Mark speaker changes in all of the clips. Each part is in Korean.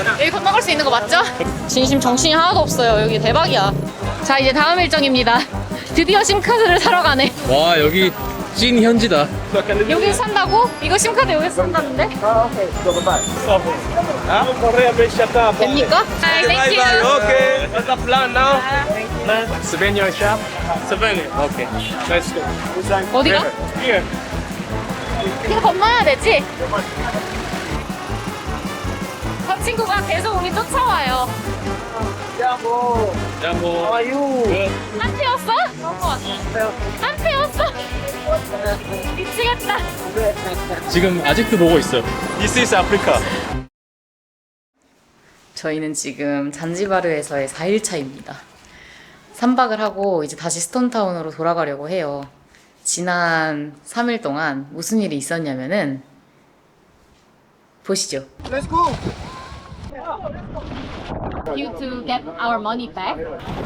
Speaker 1: 여기 건너갈 수 있는 거 맞죠? 진심 정신이 하나도 없어요. 여기 대박이야. 자, 이제 다음 일정입니다. 드디어 심카드를 사러 가네.
Speaker 2: 와 여기 찐 현지다.
Speaker 1: 여기 산다고? 이거 심카드 여기서 산다는데? 됩니까? Hi, thank you.
Speaker 3: Okay. What's the plan now? Souvenir shop. Souvenir. Okay. Let's go.
Speaker 1: 어디가?
Speaker 3: Here.
Speaker 1: 이거 건너야 되지? 저 친구가 계속 우리 쫓아와요.
Speaker 3: Jambo.
Speaker 2: 야뭐
Speaker 3: How are you?
Speaker 1: 한태였어? 한태였어? 미치겠다.
Speaker 2: 지금 아직도 보고 있어.
Speaker 3: This is Africa.
Speaker 1: 저희는 지금 잔지바르에서의 4일차입니다. 3박을 하고 이제 다시 스톤타운으로 돌아가려고 해요. 지난 3일 동안 무슨 일이 있었냐면은 보시죠.
Speaker 3: Let's go.
Speaker 1: You to get our money back.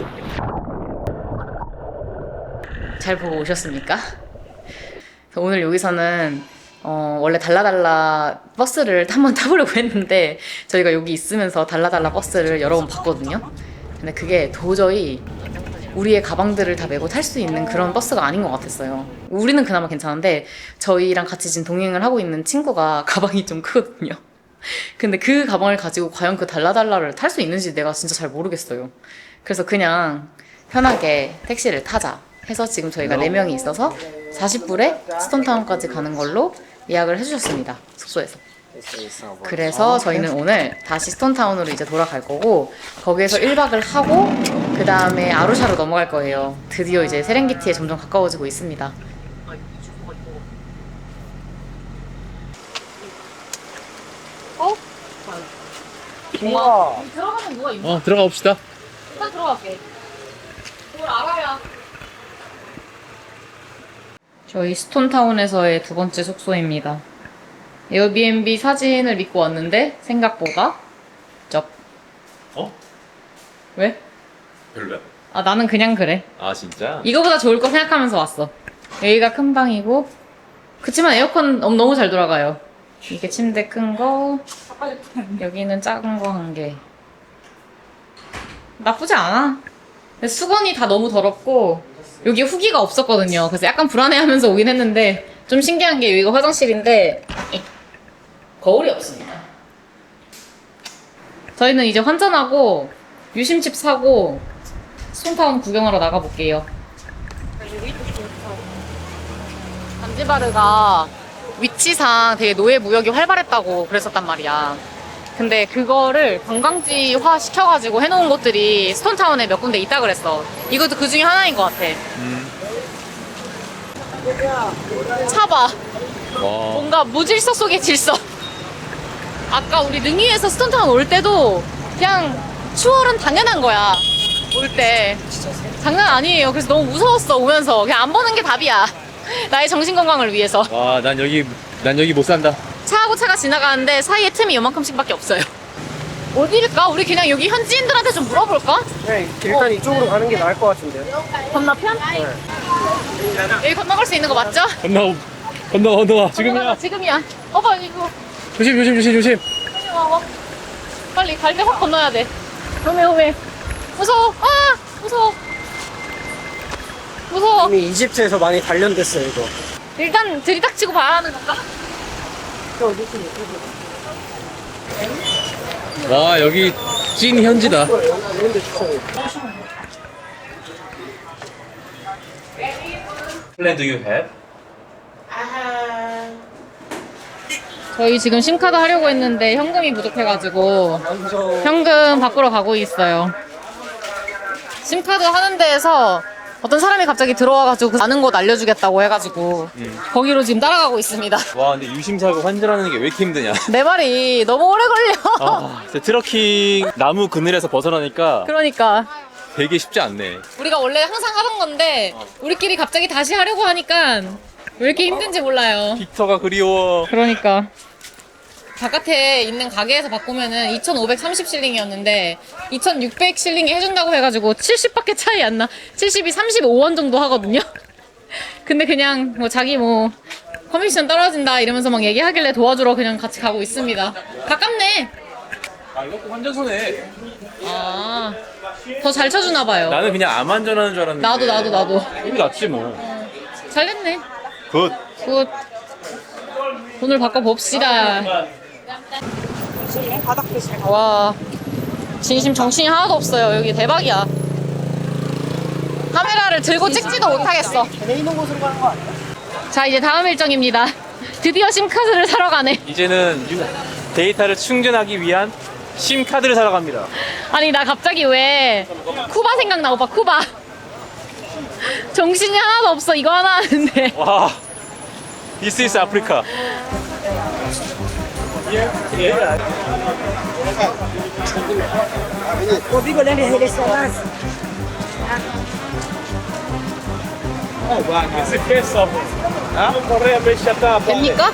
Speaker 1: 잘 보고 오셨습니까? 오늘 여기서는 원래 달라달라 버스를 한번 타보려고 했는데 저희가 여기 있으면서 달라달라 버스를 여러 번 봤거든요. 근데 그게 도저히 우리의 가방들을 다 메고 탈 수 있는 그런 버스가 아닌 것 같았어요. 우리는 그나마 괜찮은데 저희랑 같이 지금 동행을 하고 있는 친구가 가방이 좀 크거든요. 근데 그 가방을 가지고 과연 그 달라달라를 탈 수 있는지 내가 진짜 잘 모르겠어요. 그래서 그냥 편하게 택시를 타자 해서 지금 저희가 4명이 있어서 40불에 스톤타운까지 가는 걸로 예약을 해주셨습니다. 숙소에서. 그래서 저희는 오늘 다시 스톤타운으로 이제 돌아갈 거고 거기에서 1박을 하고 그 다음에 아루샤로 넘어갈 거예요. 드디어 이제 세렝게티에 점점 가까워지고 있습니다. 어?
Speaker 3: 우와.
Speaker 1: 들어가면 누가 있나?
Speaker 2: 들어가 봅시다.
Speaker 1: 일단 들어갈게. 뭘 알아야. 저희 스톤타운에서의 2번째 숙소입니다. 에어비앤비 사진을 믿고 왔는데 생각보다 쩝.
Speaker 2: 어?
Speaker 1: 왜?
Speaker 2: 별로야?
Speaker 1: 아 나는 그냥 그래.
Speaker 2: 아 진짜?
Speaker 1: 이거보다 좋을 거 생각하면서 왔어. 여기가 큰 방이고 그치만 에어컨 너무 잘 돌아가요. 이게 침대 큰 거, 여기는 작은 거 1개. 나쁘지 않아. 근데 수건이 다 너무 더럽고 여기 후기가 없었거든요. 그래서 약간 불안해하면서 오긴 했는데 좀 신기한 게 여기가 화장실인데 거울이 없습니다. 저희는 이제 환전하고 유심칩 사고 스톤타운 구경하러 나가볼게요. 잔지바르가 위치상 되게 노예 무역이 활발했다고 그랬었단 말이야. 근데 그거를 관광지화 시켜가지고 해놓은 곳들이 스톤타운에 몇 군데 있다 그랬어. 이것도 그 중에 하나인 것 같아. 차봐.
Speaker 2: 와.
Speaker 1: 뭔가 무질서 속의 질서. 아까 우리 능이에서 스톤타운 올 때도 그냥 추월은 당연한 거야. 올 때. 장난 아니에요. 그래서 너무 무서웠어 오면서. 그냥 안 보는 게 답이야. 나의 정신 건강을 위해서.
Speaker 2: 와, 난 여기 못 산다.
Speaker 1: 차하고 차가 지나가는데 사이에 틈이 요만큼씩밖에 없어요. 어디일까? 우리 그냥 여기 현지인들한테 좀 물어볼까?
Speaker 3: 네, 일단 이쪽으로 가는 게 나을 것 같은데.
Speaker 1: 건너편? 여기 건너갈 수 있는 거 맞죠?
Speaker 2: 건너와. 지금이야.
Speaker 1: 지금이야. 봐 이거.
Speaker 2: 조심.
Speaker 1: 빨리 와. 빨리 갈 때 확 건너야 돼. 오메. 무서워. 아! 무서워.
Speaker 3: 이미 이집트에서 많이 단련됐어요, 이거.
Speaker 1: 일단 들이닥치고 봐야 하는 건가?
Speaker 2: 와 여기 찐 현지다. Plan do you have?
Speaker 1: 저희 지금 심카드 하려고 했는데 현금이 부족해가지고 현금 바꾸러 가고 있어요. 심카드 하는 데에서 어떤 사람이 갑자기 들어와가지고 그 아는 곳 알려주겠다고 해가지고 거기로 지금 따라가고 있습니다.
Speaker 2: 와 근데 유심사고 환전하는 게 왜 이렇게 힘드냐.
Speaker 1: 내 말이 너무 오래 걸려.
Speaker 2: 아 진짜 트러킹 나무 그늘에서 벗어나니까
Speaker 1: 그러니까
Speaker 2: 되게 쉽지 않네.
Speaker 1: 우리가 원래 항상 하던 건데 우리끼리 갑자기 다시 하려고 하니까 왜 이렇게 힘든지 몰라요.
Speaker 2: 빅터가 그리워.
Speaker 1: 그러니까 바깥에 있는 가게에서 바꾸면은 2,530실링이었는데 2,600실링이 해준다고 해가지고 70밖에 차이 안 나. 70이 35원 정도 하거든요. 근데 그냥 뭐 자기 뭐 커미션 떨어진다 이러면서 막 얘기하길래 도와주러 그냥 같이 가고 있습니다. 가깝네.
Speaker 2: 아 이거 꼭 환전소네.
Speaker 1: 아, 더 잘 쳐주나 봐요.
Speaker 2: 나는 그냥 암 환전하는 줄 알았는데.
Speaker 1: 나도.
Speaker 2: 이게 낫지 뭐.
Speaker 1: 잘 됐네.
Speaker 2: 굿.
Speaker 1: 굿. 돈을 바꿔 봅시다. 와, 진심 정신이 하나도 없어요. 여기 대박이야. 카메라를 들고 찍지도 못하겠어. 자, 이제 다음 일정입니다. 드디어 심카드를 사러 가네.
Speaker 2: 이제는 데이터를 충전하기 위한 심 카드를 사러 갑니다.
Speaker 1: 아니, 나 갑자기 왜 쿠바 생각나, 오빠, 쿠바. 정신이 하나도 없어. 이거 하나 하는데.
Speaker 2: 와. This is Africa.
Speaker 1: 됩니까?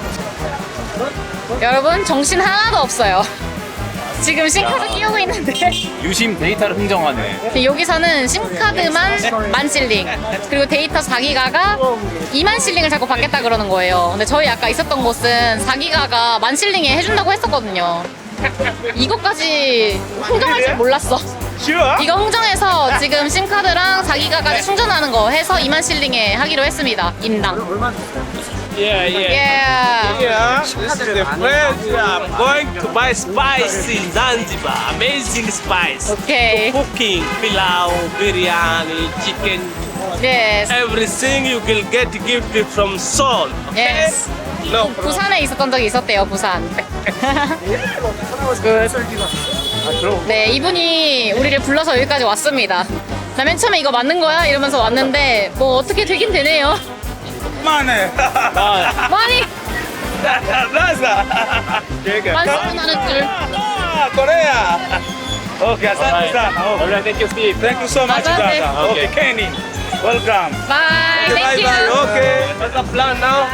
Speaker 1: 여러분, 정신 하나도 없어요. 지금 심카드 끼우고 있는데
Speaker 2: 유심 데이터를 흥정하네.
Speaker 1: 여기서는 심카드만 10,000실링, 그리고 데이터 4기가가 20,000실링을 자꾸 받겠다 그러는 거예요. 근데 저희 아까 있었던 곳은 4기가가 10,000실링에 해준다고 했었거든요. 이것까지 흥정할 줄 몰랐어. 이거 흥정해서 지금 심카드랑 4기가까지 충전하는 거 해서 20,000실링에 하기로 했습니다. 인당.
Speaker 3: Yeah.
Speaker 1: Yeah.
Speaker 3: This is the place I'm going to buy spice in Zanzibar. Amazing spice.
Speaker 1: 오케이.
Speaker 3: Cooking, pilau, biryani, chicken,
Speaker 1: Yes.
Speaker 3: everything you will get gifted from Seoul. Okay?
Speaker 1: Yes.
Speaker 3: No problem.
Speaker 1: 부산에 있었던 적이 있었대요, 부산. 네, 이분이 우리를 불러서 여기까지 왔습니다. 나 맨 처음에 이거 맞는 거야? 이러면서 왔는데 뭐 어떻게 되긴 되네요.
Speaker 3: Money.
Speaker 1: 많이
Speaker 3: Plaza.
Speaker 1: 만수는 하는 줄.
Speaker 3: Korea. Okay,
Speaker 2: Alright. Alright, thank you, Steve.
Speaker 3: Thank you so much,
Speaker 1: Bye-bye.
Speaker 3: Gaza. Okay, Kenny. Welcome.
Speaker 1: Bye.
Speaker 3: Bye
Speaker 1: Thank
Speaker 3: bye.
Speaker 1: you.
Speaker 3: Okay. What's the plan now?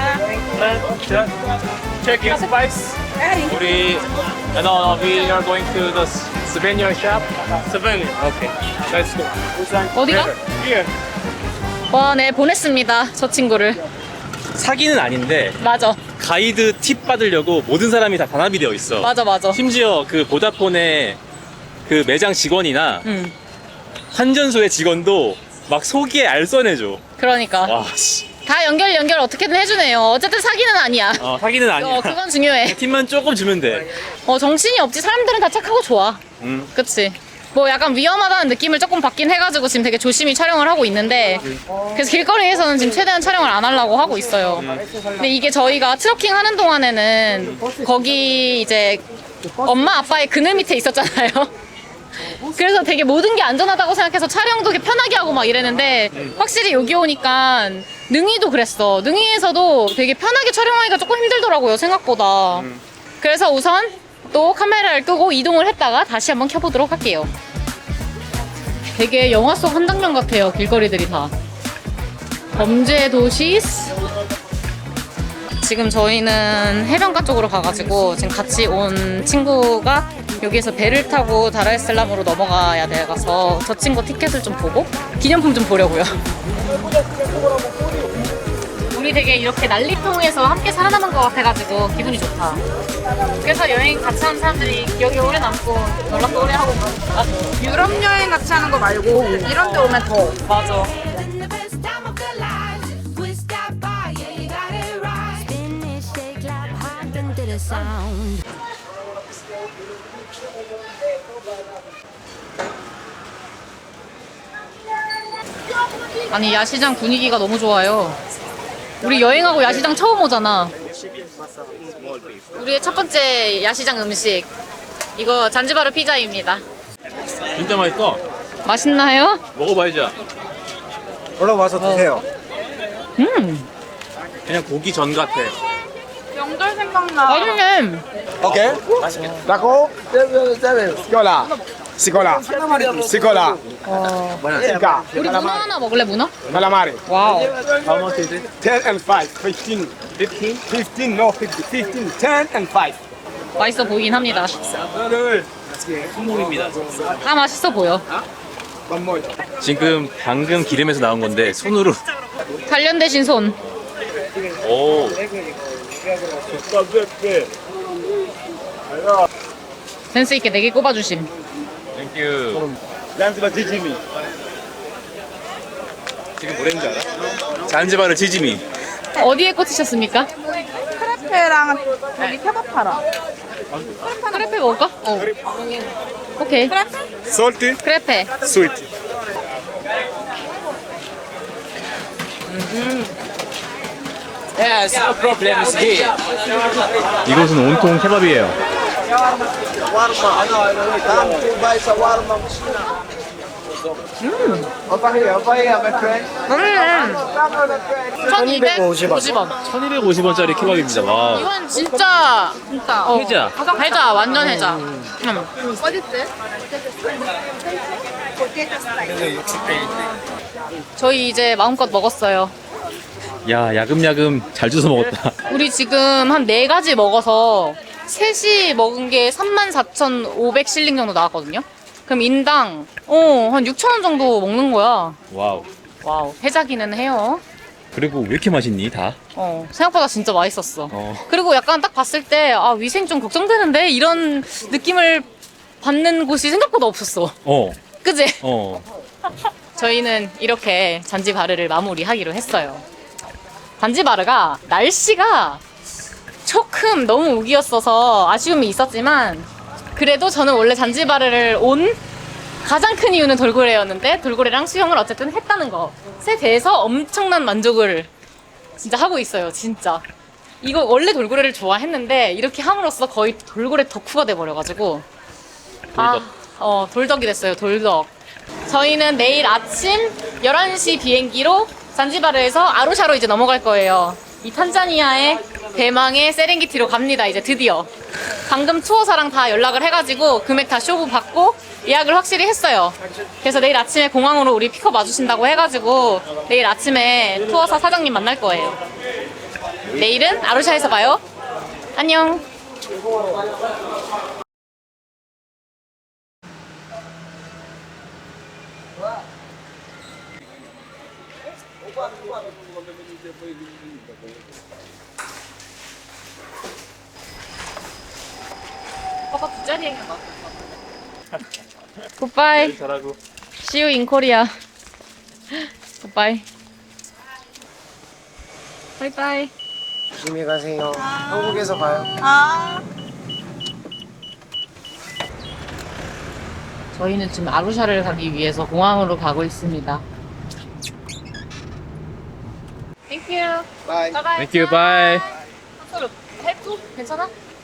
Speaker 3: Check your spice.
Speaker 2: 우리 no, we are going to the souvenir shop.
Speaker 3: Souvenir. Okay. Let's go.
Speaker 1: 어디가?
Speaker 3: Here.
Speaker 1: 와, 네, 보냈습니다. 저 친구를.
Speaker 2: 사기는 아닌데
Speaker 1: 맞아.
Speaker 2: 가이드 팁 받으려고 모든 사람이 다 단합이 되어 있어.
Speaker 1: 맞아.
Speaker 2: 심지어 그 보다폰의 그 매장 직원이나
Speaker 1: 응.
Speaker 2: 환전소의 직원도 막 속이에 알선해줘.
Speaker 1: 그러니까.
Speaker 2: 와, 씨.
Speaker 1: 다 연결 어떻게든 해주네요. 어쨌든 사기는 아니야.
Speaker 2: 사기는 아니야.
Speaker 1: 그건 중요해.
Speaker 2: 팁만 조금 주면 돼.
Speaker 1: 정신이 없지. 사람들은 다 착하고 좋아. 그치? 뭐 약간 위험하다는 느낌을 조금 받긴 해가지고 지금 되게 조심히 촬영을 하고 있는데, 그래서 길거리에서는 지금 최대한 촬영을 안 하려고 하고 있어요. 근데 이게 저희가 트러킹 하는 동안에는 거기 이제 엄마 아빠의 그늘 밑에 있었잖아요. 그래서 되게 모든 게 안전하다고 생각해서 촬영도 되게 편하게 하고 막 이랬는데, 확실히 여기 오니까 능이도 그랬어. 능이에서도 되게 편하게 촬영하기가 조금 힘들더라고요, 생각보다. 그래서 우선 또 카메라를 끄고 이동을 했다가 다시 한번 켜보도록 할게요. 되게 영화 속 한 장면 같아요, 길거리들이 다. 범죄 도시. 지금 저희는 해변가 쪽으로 가가지고 지금 같이 온 친구가 여기에서 배를 타고 다르에슬람으로 넘어가야 돼서 저 친구 티켓을 좀 보고 기념품 좀 보려고요. 우리 되게 이렇게 난리통에서 함께 살아남은 것 같아가지고 기분이 좋다. 그래서 여행 같이 하는 사람들이 기억에 오래 남고 연락도 오래 하고 그러니까.
Speaker 4: 유럽 여행 같이 하는 거 말고 이런 데 오면 더.
Speaker 1: 맞아.
Speaker 5: the best time of their lives. Twist that bar, yeah, you got it right. Spin it, shake, clap, hop into the sound.
Speaker 1: 아니, 야시장 분위기가 너무 좋아요. 우리 여행하고 야시장 처음 오잖아. 우리의 첫 번째 야시장 음식, 이거 잔지바르 피자입니다.
Speaker 2: 진짜 맛있어.
Speaker 1: 맛있나요?
Speaker 2: 먹어봐야지.
Speaker 6: 올라와서 드세요.
Speaker 2: 그냥 고기 전 같아.
Speaker 4: 명절 생각나.
Speaker 1: 맛있네.
Speaker 6: 오케이. D'accord. Sicola. Sicola. Sicola. Sica.
Speaker 1: 우리 문어 하나 먹을래, 문어?
Speaker 6: Calamari.
Speaker 1: 와우.
Speaker 2: How much is it?
Speaker 6: 10 and 5. 15. 15? 15. No, 50. 15. 10 and 5.
Speaker 1: 맛있어 보이긴 합니다.
Speaker 2: 손목입니다.
Speaker 1: 다 맛있어 보여.
Speaker 6: One more.
Speaker 2: 지금 방금 기름에서 나온 건데 손으로.
Speaker 1: 단련 대신 손.
Speaker 2: 오.
Speaker 1: 센스 있게 4개 꼽아주심.
Speaker 2: Thank you.
Speaker 6: Zanzibar jijimi.
Speaker 2: 지금 뭐랬는지 알아? 잔지바르 지짐이.
Speaker 1: 어디에 꽂히셨습니까?
Speaker 4: 크레페랑 여기 케밥 팔아.
Speaker 1: 크레페 먹을까? 오케이.
Speaker 6: Salty,
Speaker 1: 크레페.
Speaker 6: sweet.
Speaker 2: Yes, no problem. It's here.
Speaker 7: 이곳은 온통 케밥이에요.
Speaker 1: 음. 1250원.
Speaker 7: 1250원짜리 케밥입니다. 와.
Speaker 1: 이건 진짜
Speaker 7: 해자.
Speaker 1: 해자 완전 해자. 저희 이제 마음껏 먹었어요.
Speaker 7: 야, 야금야금 잘 주워 먹었다.
Speaker 1: 우리 지금 한 4가지 먹어서 셋이 먹은 게 34,500실링 정도 나왔거든요. 그럼 인당 한 6,000원 정도 먹는 거야.
Speaker 7: 와우.
Speaker 1: 와우, 해자기는 해요.
Speaker 7: 그리고 왜 이렇게 맛있니, 다?
Speaker 1: 생각보다 진짜 맛있었어.
Speaker 7: 어.
Speaker 1: 그리고 약간 딱 봤을 때 위생 좀 걱정되는데 이런 느낌을 받는 곳이 생각보다 없었어. 그지? 저희는 이렇게 잔지바르를 마무리하기로 했어요. 잔지바르가 날씨가 조금 너무 우기였어서 아쉬움이 있었지만 그래도 저는 원래 잔지바르를 온 가장 큰 이유는 돌고래였는데 돌고래랑 수영을 어쨌든 했다는 것에 대해서 엄청난 만족을 진짜 하고 있어요. 진짜 이거 원래 돌고래를 좋아했는데 이렇게 함으로써 거의 돌고래 덕후가 돼버려가지고 돌덕이 됐어요. 돌덕. 저희는 내일 아침 11시 비행기로 잔지바르에서 아루샤로 이제 넘어갈 거예요. 이 탄자니아의 대망의 세렝게티로 갑니다. 이제 드디어. 방금 투어사랑 다 연락을 해가지고 금액 다 쇼부 받고 예약을 확실히 했어요. 그래서 내일 아침에 공항으로 우리 픽업 와주신다고 해가지고 내일 아침에 투어사 사장님 만날 거예요. 내일은 아루샤에서 봐요. 안녕. 오빠 부자리 행인 것 같아. 굿바이.
Speaker 2: 잘하고.
Speaker 1: See you in Korea. 굿바이. 바이바이.
Speaker 8: 조심히 가세요. 한국에서 봐요.
Speaker 1: 저희는 지금 아루샤를 가기 위해서 공항으로 가고 있습니다. Thank you.
Speaker 6: Bye.
Speaker 1: Bye bye.
Speaker 7: Thank you, bye.
Speaker 1: 서로 헬프? 괜찮아?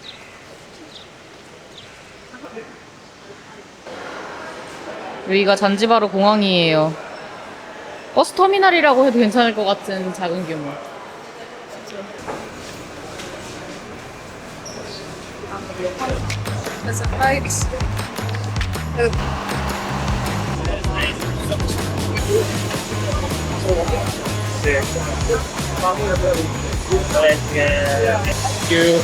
Speaker 1: 여기가 잔지바르 공항이에요. 버스 터미널이라고 해도 괜찮을 것 같은 작은 규모.
Speaker 2: Thank you.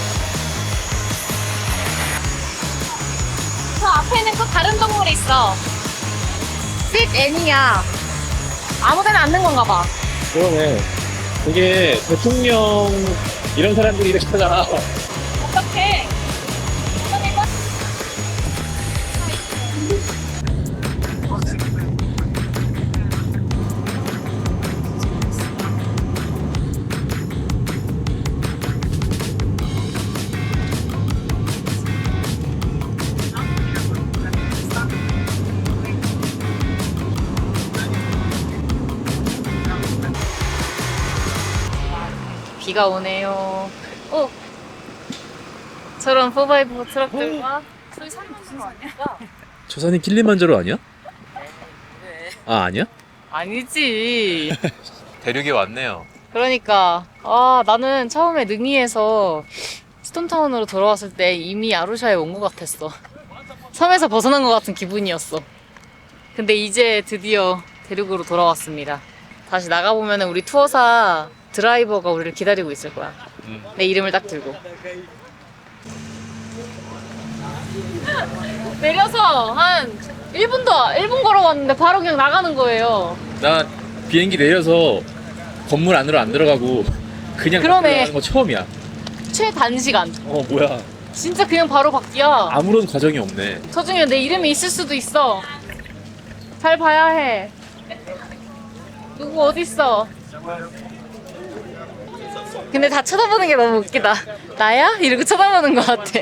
Speaker 1: 저 앞에는 또 다른 동물이 있어. Sit N이야. 아무데나 앉는 건가 봐.
Speaker 7: 그러네. 이게 대통령 이런 사람들이 이렇게 하잖아.
Speaker 1: 어떡해. 비가 오네요. 저런 4x4 트럭들과 저기 산이 무슨 산이야?
Speaker 7: 저 산이 킬리만자로 아니야? 아, 아니야?
Speaker 1: 아니지.
Speaker 2: 대륙에 왔네요.
Speaker 1: 그러니까 나는 처음에 능이에서 스톤타운으로 돌아왔을 때 이미 아루샤에 온 것 같았어. 섬에서 벗어난 것 같은 기분이었어. 근데 이제 드디어 대륙으로 돌아왔습니다. 다시 나가보면 우리 투어사 드라이버가 우리를 기다리고 있을 거야. 내 이름을 딱 들고. 내려서 한 1분 걸어왔는데 바로 그냥 나가는 거예요.
Speaker 7: 나 비행기 내려서 건물 안으로 안 들어가고 그냥
Speaker 1: 그러네.
Speaker 7: 들어가는 거 처음이야.
Speaker 1: 최단시간.
Speaker 7: 뭐야.
Speaker 1: 진짜 그냥 바로 바뀌야.
Speaker 7: 아무런 과정이 없네.
Speaker 1: 저 중에 내 이름이 있을 수도 있어. 잘 봐야 해. 누구 어딨어? 근데 다 쳐다보는 게 너무 웃기다. 나야? 이러고 쳐다보는 것 같아.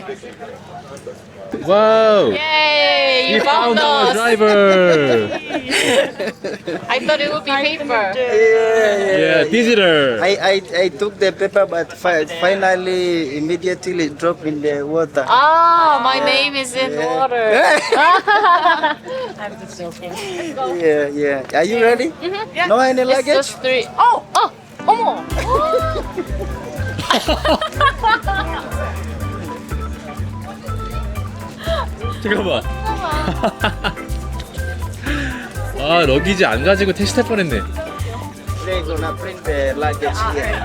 Speaker 7: 와우.
Speaker 1: Yay!
Speaker 7: We
Speaker 1: You found
Speaker 7: found our
Speaker 1: us!
Speaker 7: driver.
Speaker 1: I thought it would be paper.
Speaker 7: Yeah, digital.
Speaker 8: I took the paper, but finally, immediately dropped in the water.
Speaker 1: Ah, my name is in water. I'm just joking.
Speaker 8: Yeah. Are you ready? No any
Speaker 1: It's
Speaker 8: luggage?
Speaker 1: just 3. Oh! 어머!
Speaker 7: 잠깐만. 아, 러기지 안 가지고 택시 탈 뻔했네.
Speaker 8: They're gonna print the luggage here.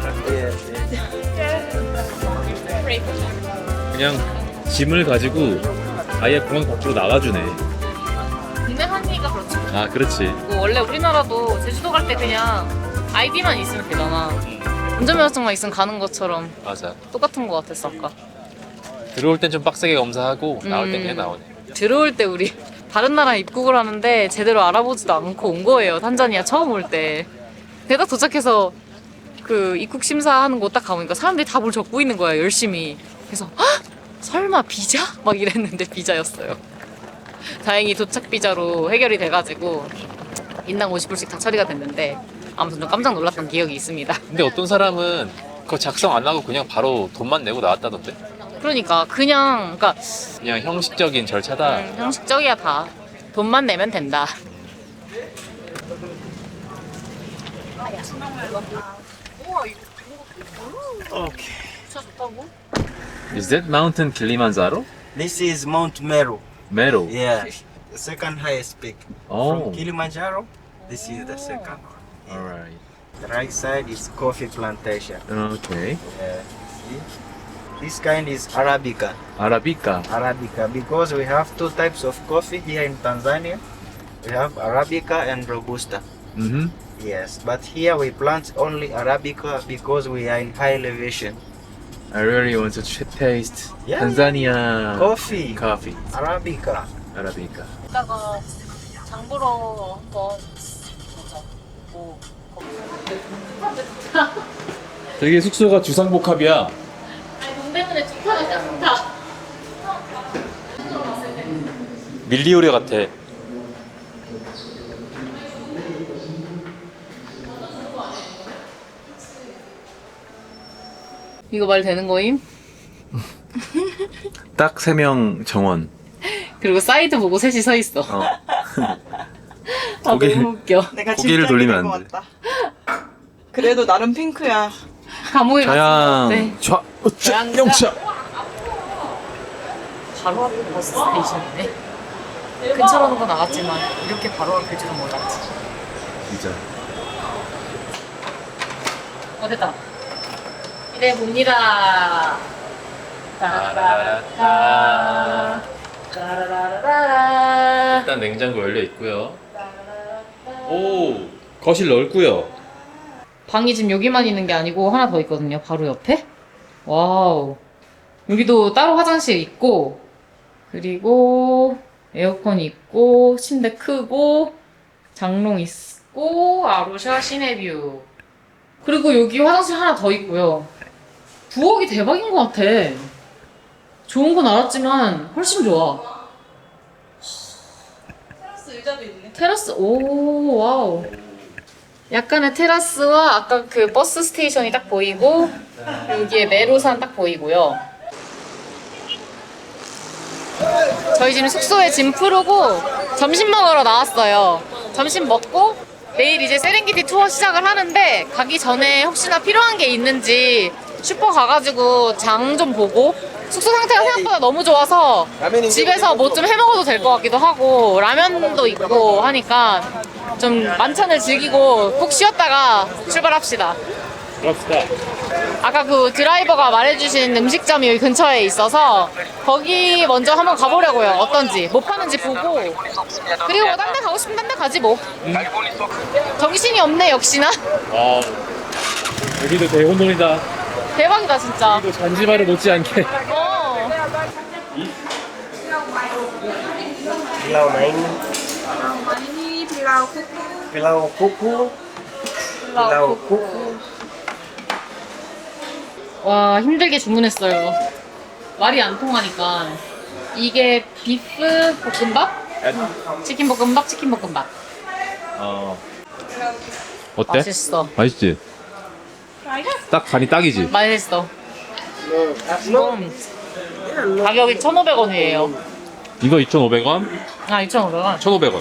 Speaker 7: 그냥 짐을 가지고 아예 공항 밖으로 나가주네.
Speaker 1: 국내 한니가 그렇지.
Speaker 7: 아, 그렇지.
Speaker 1: 뭐 원래 우리나라도 제주도 갈 때 그냥 아이디만 있으면 되잖아. 운전면허증만 있으면 가는 것처럼
Speaker 7: 맞아.
Speaker 1: 똑같은 거 같았어 아까.
Speaker 7: 들어올 땐 좀 빡세게 검사하고 나올 땐 그냥 나오네.
Speaker 1: 들어올 때 우리 다른 나라 입국을 하는데 제대로 알아보지도 않고 온 거예요. 탄자니아 처음 올 때. 근데 딱 도착해서 그 입국 심사하는 곳 딱 가보니까 사람들이 다 뭘 적고 있는 거야 열심히. 그래서 헉! 설마 비자? 막 이랬는데 비자였어요. 다행히 도착 비자로 해결이 돼가지고 인당 50불씩 다 처리가 됐는데 아무튼 좀 깜짝 놀랐던 기억이 있습니다.
Speaker 7: 근데 어떤 사람은 그거 작성 안 하고 그냥 바로 돈만 내고 나왔다던데?
Speaker 1: 그러니까 그러니까
Speaker 7: 그냥 형식적인 절차다.
Speaker 1: 형식적이야 다. 돈만 내면 된다.
Speaker 7: Is that mountain Kilimanjaro?
Speaker 8: This is Mount Meru.
Speaker 7: Meru.
Speaker 8: Yeah, the second highest peak.
Speaker 7: Oh.
Speaker 8: From Kilimanjaro, this is the second one.
Speaker 7: Alright.
Speaker 8: The right side is coffee plantation.
Speaker 7: Okay.
Speaker 8: Yeah. See? This kind is Arabica.
Speaker 7: Arabica.
Speaker 8: Arabica, because we have two types of coffee here in Tanzania. We have Arabica and Robusta.
Speaker 7: Mm-hmm.
Speaker 8: Yes, but here we plant only Arabica because we are in high elevation.
Speaker 7: I really want to taste
Speaker 8: Yeah.
Speaker 7: Tanzania
Speaker 8: Coffee.
Speaker 7: coffee.
Speaker 8: Arabica.
Speaker 7: Arabica.
Speaker 1: 이따가 장 보러 한번 보자. 뭐
Speaker 7: 되게 숙소가 주상복합이야.
Speaker 1: 아니 동대문에 좋다는 않다.
Speaker 7: 밀리오레 같아.
Speaker 1: 이거 말 되는 거임?
Speaker 7: 딱 3명 정원.
Speaker 1: 그리고 사이드 보고 셋이 서 있어. 아
Speaker 7: 고개-
Speaker 1: 너무 웃겨.
Speaker 9: 내가
Speaker 7: 고개를
Speaker 9: 진짜
Speaker 7: 돌리면
Speaker 9: 기댈
Speaker 7: 안
Speaker 9: 것 같다. 그래도 나름 핑크야.
Speaker 1: 감옥에 갔어. 네.
Speaker 7: 좌, 우측,
Speaker 1: 좌양자.
Speaker 7: 영차.
Speaker 1: 바로 앞에 버스 스테이션이네. 근처라는 건 알았지만 이렇게 바로 앞일 줄은 몰랐지.
Speaker 7: 진짜.
Speaker 1: 됐다. 이래 봅니다. 따라라라. 따라라라.
Speaker 7: 일단 냉장고 열려 있고요. 오, 거실 넓고요.
Speaker 1: 방이 지금 여기만 있는 게 아니고 하나 더 있거든요. 바로 옆에. 와우. 여기도 따로 화장실 있고, 그리고 에어컨 있고, 침대 크고, 장롱 있고, 아로샤 시내뷰. 그리고 여기 화장실 하나 더 있고요. 부엌이 대박인 것 같아. 좋은 건 알았지만 훨씬 좋아.
Speaker 9: 테라스 의자도 있네.
Speaker 1: 테라스, 오, 와우. 약간의 테라스와 아까 그 버스 스테이션이 딱 보이고, 여기에 메로산 딱 보이고요. 저희 지금 숙소에 짐 풀고 점심 먹으러 나왔어요. 점심 먹고 내일 이제 세렝게티 투어 시작을 하는데 가기 전에 혹시나 필요한 게 있는지 슈퍼 가가지고 장 좀 보고 숙소 상태가 생각보다 너무 좋아서 집에서 뭐 좀 해먹어도 될 것 같기도 하고 라면도 있고 하니까 좀 만찬을 즐기고 푹 쉬었다가 출발합시다.
Speaker 7: 그럽시다.
Speaker 1: 아까 그 드라이버가 말해주신 음식점이 여기 근처에 있어서 거기 먼저 한번 가보려고요. 어떤지 뭐 파는지 보고 그리고 뭐 딴 데 가고 싶으면 딴 데 가지 뭐. 정신이 없네 역시나.
Speaker 7: 아, 여기도 대혼돈이다.
Speaker 1: 대박이다 진짜.
Speaker 7: 여기도 잔지바를 못지않게.
Speaker 1: 어.
Speaker 8: Pilau main,
Speaker 4: 많이 빌라우 쿠쿠.
Speaker 8: pilau kuku, pilau kuku.
Speaker 1: 와 힘들게 주문했어요. 말이 안 통하니까 이게 비프 볶음밥, 치킨 볶음밥, 치킨 볶음밥.
Speaker 7: 어때?
Speaker 1: 맛있어.
Speaker 7: 맛있지? 딱 간이 딱이지?
Speaker 1: 맛있어. 가격이 1,500원이에요.
Speaker 7: 이거 2,500원?
Speaker 1: 아 2,500원.
Speaker 7: 1,500원.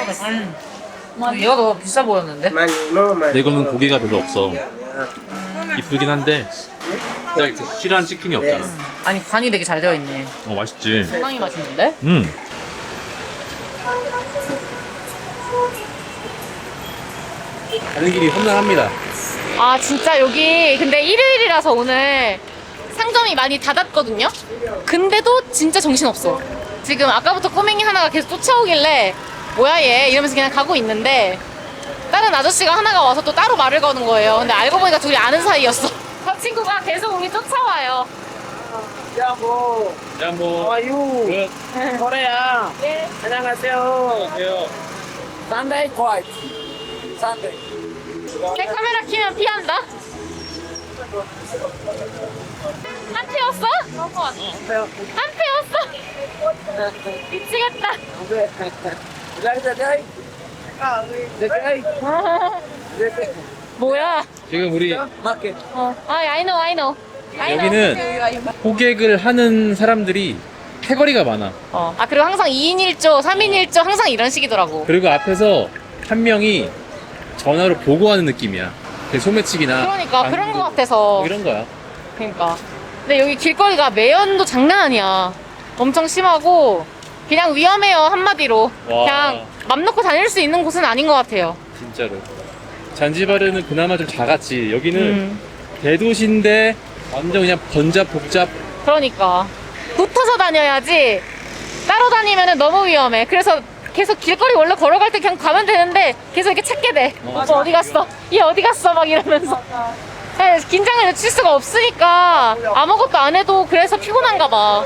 Speaker 1: 얘가 더 비싸 보였는데?
Speaker 7: 근데 이거는 고기가 별로 없어. 이쁘긴 한데 딱 이렇게 실한 치킨이 없잖아.
Speaker 1: 아니 간이 되게 잘 되어 있네.
Speaker 7: 맛있지?
Speaker 1: 상당히 맛있는데?
Speaker 7: 가는 길이 험난합니다.
Speaker 1: 아 진짜 여기 근데 일요일이라서 오늘 상점이 많이 닫았거든요? 근데도 진짜 정신없어. 지금 아까부터 꼬맹이 하나가 계속 쫓아오길래 뭐야 얘 이러면서 그냥 가고 있는데 다른 아저씨가 하나가 와서 또 따로 말을 거는 거예요. 근데 알고 보니까 둘이 아는 사이였어. 저 친구가 계속 우리 쫓아와요.
Speaker 7: 야 뭐.
Speaker 3: 아유. 거래야.
Speaker 1: 네.
Speaker 3: 안녕하세요. Sunday quiet. Sunday.
Speaker 1: 내 카메라 키면 피한다. 한 피웠어? 한 피웠어? 미치겠다. 뭐야?
Speaker 7: 지금 우리
Speaker 1: I know.
Speaker 7: 여기는 호객을 하는 사람들이 패거리가 많아.
Speaker 1: 아 그리고 항상 2인 1조, 3인 1조 항상 이런 식이더라고.
Speaker 7: 그리고 앞에서 한 명이 전화로 보고하는 느낌이야. 소매치기나
Speaker 1: 그러니까 그런
Speaker 7: 방구,
Speaker 1: 거 같아서.
Speaker 7: 이런 거야.
Speaker 1: 그러니까. 근데 여기 길거리가 매연도 장난 아니야. 엄청 심하고 그냥 위험해요 한마디로.
Speaker 7: 와.
Speaker 1: 그냥 맘 놓고 다닐 수 있는 곳은 아닌 것 같아요.
Speaker 7: 진짜로. 잔지바르는 그나마 좀 작았지. 여기는 대도시인데 완전 그냥 번잡복잡.
Speaker 1: 그러니까 붙어서 다녀야지 따로 다니면 너무 위험해. 그래서 계속 길거리 원래 걸어갈 때 그냥 가면 되는데 계속 이렇게 찾게 돼. 오빠 어디 갔어? 얘 어디 갔어? 막 이러면서. 네, 긴장을 늦출 수가 없으니까 아무것도 안 해도 그래서 피곤한가 봐.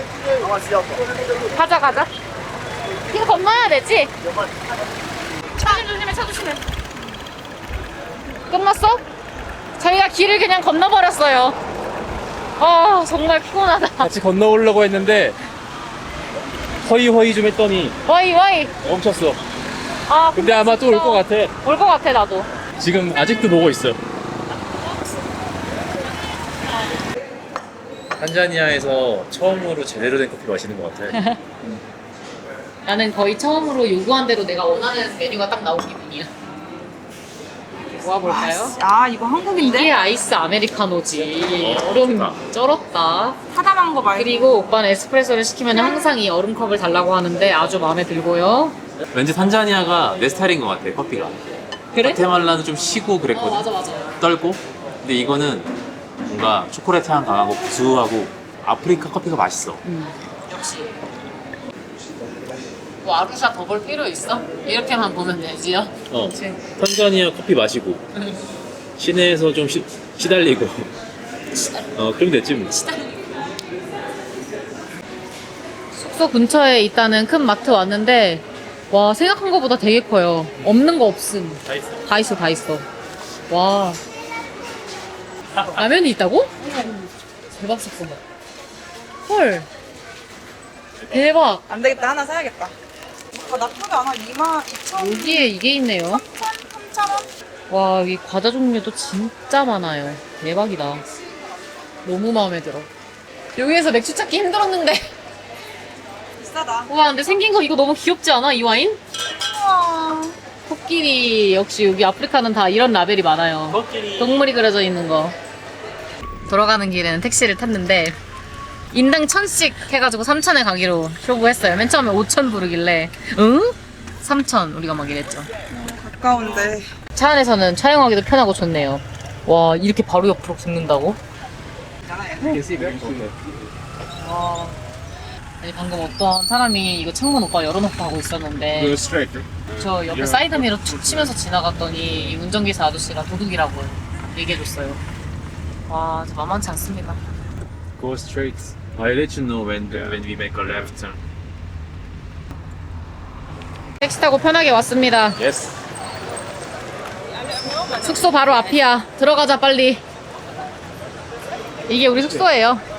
Speaker 1: 가자. 이거 건너야 되지? 차 조심해. 끝났어? 저희가 길을 그냥 건너버렸어요. 아 정말 피곤하다.
Speaker 7: 같이 건너오려고 했는데 허이허이 좀 했더니
Speaker 1: 와이.
Speaker 7: 멈췄어.
Speaker 1: 아
Speaker 7: 근데 아마 또 올 것 같아.
Speaker 1: 올 것 같아 나도.
Speaker 7: 지금 아직도 보고 있어. 탄자니아에서 처음으로 제대로 된 커피 마시는 것 같아.
Speaker 1: 나는 거의 처음으로 요구한 대로 내가 원하는 메뉴가 딱 나온 기분이야. 모아볼까요?
Speaker 4: 아 이거 한국인데?
Speaker 1: 이게 아이스 아메리카노지. 얼음 쩔었다.
Speaker 4: 사담한 거 말고.
Speaker 1: 그리고 오빠는 에스프레소를 시키면 항상 이 얼음컵을 달라고 하는데 아주 마음에 들고요.
Speaker 7: 왠지 탄자니아가 내 스타일인 것 같아, 커피가.
Speaker 1: 그래?
Speaker 7: 과테말라는 좀 시고 그랬거든.
Speaker 1: 맞아.
Speaker 7: 떨고. 근데 이거는 뭔가 초콜릿 향 강하고 구수하고 아프리카 커피가 맛있어.
Speaker 1: 역시. 뭐 아루샤 더 볼 필요 있어? 이렇게만 보면 되지요? 그치.
Speaker 7: 탄자니아 커피 마시고 시내에서 좀 시달리고 그럼 됐지 뭐.
Speaker 1: 숙소 근처에 있다는 큰 마트 왔는데 와 생각한 것보다 되게 커요. 없는 거 없음. 다 있어. 와 라면이 있다고? 대박 사건. 헐 대박.
Speaker 4: 안 되겠다 하나 사야겠다. 나쁘지 않아. 22,000원.
Speaker 1: 여기에 이게 있네요.
Speaker 4: 3,000원?
Speaker 1: 와 여기 과자 종류도 진짜 많아요. 대박이다. 너무 마음에 들어. 여기에서 맥주 찾기 힘들었는데
Speaker 4: 비싸다.
Speaker 1: 와 근데 생긴 거 이거 너무 귀엽지 않아? 이 와인?
Speaker 4: 우와.
Speaker 1: 코끼리. 역시 여기 아프리카는 다 이런 라벨이 많아요. 동물이 그려져 있는 거. 돌아가는 길에는 택시를 탔는데 인당 1,000씩 해가지고 3,000에 가기로 쇼부했어요. 맨 처음에 5,000 부르길래 응? 3,000 우리가 막 이랬죠.
Speaker 4: 가까운데.
Speaker 1: 차 안에서는 촬영하기도 편하고 좋네요. 와 이렇게 바로 옆으로 붙는다고? 와. 아니 방금 어떤 사람이 이거 창문 오빠 열어놓고 하고 있었는데 저 옆에 사이드미러 툭 치면서 지나갔더니 이 운전기사 아저씨가 도둑이라고 얘기해줬어요. 와 진짜 만만치 않습니다.
Speaker 7: Go straight. I'll let you know when we make a left turn.
Speaker 1: 택시 타고 편하게 왔습니다.
Speaker 2: Yes.
Speaker 1: 숙소 바로 앞이야. 들어가자 빨리. 이게 우리 숙소예요.